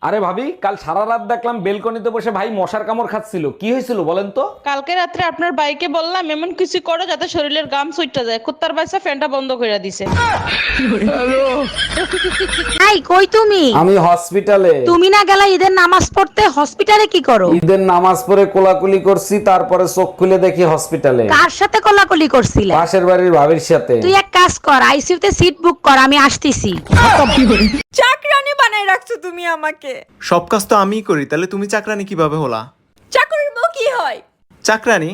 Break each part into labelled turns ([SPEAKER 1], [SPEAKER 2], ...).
[SPEAKER 1] আরে ভাবি, কাল সারা রাত দেখলাম বেলকনিতে বসে ভাই মশার কামড় খাচ্ছিল, কি হয়েছিল বলেন তো?
[SPEAKER 2] কালকে রাত্রে আপনার বাইকে বললাম এমন কিছু করো যাতে শরীরের গাম সুইটটা যায়, কুত্তার বাচ্চা ফ্যানটা বন্ধ করে দিছে।
[SPEAKER 3] এই কই তুমি?
[SPEAKER 1] আমি হসপিটালে।
[SPEAKER 3] তুমি না গেলা ঈদের নামাজ পড়তে? হসপিটালে কি করো?
[SPEAKER 1] ঈদের নামাজ পড়ে কোলাকুলি করছি, তারপরে চোখ খুলে দেখি হসপিটালে।
[SPEAKER 3] কার সাথে কোলাকুলি করছিলে?
[SPEAKER 1] পাশের বাড়ির ভাবির সাথে।
[SPEAKER 3] তুই এক কাজ কর, আইসিইউতে সিট বুক কর, আমি আসতেছি।
[SPEAKER 4] চাকরানি বানাই রাখছো তুমি আমাকে।
[SPEAKER 5] সব কাজ তো আমিই করি, তাহলে তুমি চাকরানি কিভাবে হলা?
[SPEAKER 4] চাকরির বউ কি হয়?
[SPEAKER 5] চাকরানি?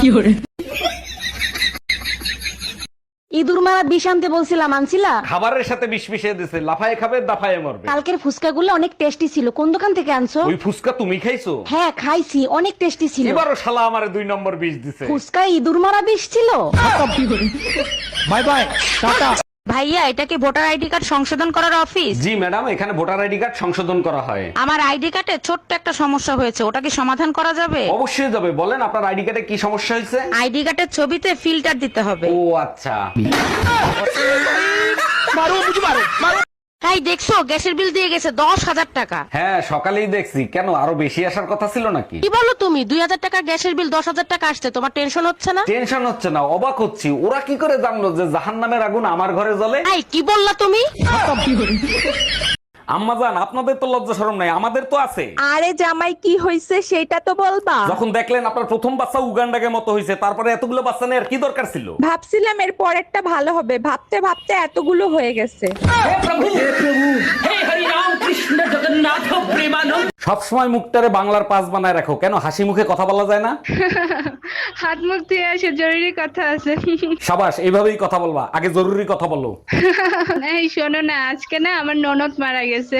[SPEAKER 3] ইঁদুর মারা বিষ আনতে বলছিলাম, আনছিলা?
[SPEAKER 1] খাবারের সাথে বিষ মিশিয়ে দিছে, লাফায় খাবে দাফায় মরবে।
[SPEAKER 3] কালকের ফুচকাগুলো অনেক টেস্টি ছিল, কোন দোকান থেকে আনছো?
[SPEAKER 1] ওই ফুসকা তুমি খাইছো?
[SPEAKER 3] হ্যাঁ খাইছি, অনেক টেস্টি ছিল।
[SPEAKER 1] এবারও শালা আমারে 2 নম্বর বিষ দিছে।
[SPEAKER 3] ফুচকায় ইঁদুর মারা বিষ ছিল।
[SPEAKER 1] বাই বাই, টাটা।
[SPEAKER 3] ভাইয়া, এটা কি ভোটার আইডি কার্ড সংশোধন করার অফিস?
[SPEAKER 1] জি ম্যাডাম, এখানে ভোটার আইডি কার্ড সংশোধন করা হয়।
[SPEAKER 3] আমার আইডি কার্ডে ছোট্ট একটা সমস্যা হয়েছে, ওটা কি সমাধান করা যাবে?
[SPEAKER 1] অবশ্যই যাবে, বলেন আপনার আইডি কার্ডে কি সমস্যা হয়েছে?
[SPEAKER 3] আইডি কার্ডের ছবিতে ফিল্টার দিতে হবে।
[SPEAKER 1] ও আচ্ছা।
[SPEAKER 3] তাই দেখছো, গ্যাসের বিল দিয়ে গেছে 10,000 টাকা।
[SPEAKER 1] হ্যাঁ সকালেই দেখছি, কেন আরো বেশি আসার কথা ছিল নাকি?
[SPEAKER 3] কি বলো তুমি? 2,000 টাকা গ্যাসের বিল 10,000 টাকা আসছে, তোমার টেনশন হচ্ছে না?
[SPEAKER 1] টেনশন হচ্ছে না, অবাক হচ্ছি, ওরা কি করে জানলো যে জাহান্নামের আগুন আমার ঘরে জ্বলে?
[SPEAKER 3] এই কি বললা তুমি?
[SPEAKER 1] আম্মাজান, আপনাদের তো লজ্জা শরম নাই, আমাদের তো আছে।
[SPEAKER 4] আরে জামাই কি হইছে সেটা তো বলবা।
[SPEAKER 1] যখন দেখলেন আপনার প্রথম বাচ্চা উগান্ডাকে মতো হয়েছে, তারপরে এতগুলো বাচ্চা নেওয়ার কি দরকার ছিল?
[SPEAKER 4] ভাবছিলাম এর পরেরটা ভালো হবে, ভাবতে ভাবতে এতগুলো হয়ে গেছে।
[SPEAKER 1] সবসময় মুখটারে বাংলার পাস বানায় রাখো, কেন হাসি মুখে কথা বলা যায় না?
[SPEAKER 6] হাত মুখ ধুয়ে আসে, জরুরি কথা আছে।
[SPEAKER 1] সাবাস, এইভাবেই কথা বলবা, আগে জরুরি কথা বলো।
[SPEAKER 6] এই শোনো না, আজকে না আমার ননদ মারা গেছে।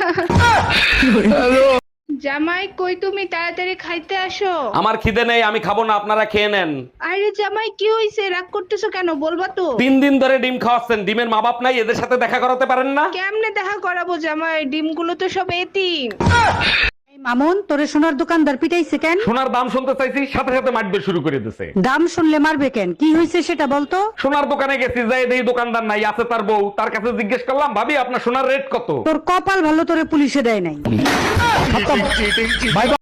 [SPEAKER 6] জামাই কই তুমি? তাড়াতাড়ি খাইতে আসো।
[SPEAKER 1] আমার খিদে নেই, আমি খাবো না, আপনারা খেয়ে নেন।
[SPEAKER 6] আরে জামাই কি হইছে? রাগ করতেছো কেন? বলবা তো।
[SPEAKER 1] 3 দিন ধরে ডিম খাওয়াচ্ছেন, ডিমের মা বাপ নাই, এদের সাথে দেখা করাতে পারেন না?
[SPEAKER 6] কেমনে দেখা করাবো জামাই? ডিমগুলো তো সব এতিম।
[SPEAKER 3] মামুন, তোরে সোনার দোকানদার পিটাইছে কেন?
[SPEAKER 1] সোনার দাম শুনতে চাইছি, সাথে সাথে মারবে শুরু করে দিছে।
[SPEAKER 3] দাম শুনলে মারবে কেন? কি হয়েছে সেটা বলতো।
[SPEAKER 1] সোনার দোকানে গেছি, যাই দেখি দোকানদার নাই, আছে তার বউ। তার কাছে জিজ্ঞেস করলাম, ভাবি আপনার সোনার রেট কত?
[SPEAKER 3] তোর কপাল ভালো, তোরে পুলিশে দেয় নাই।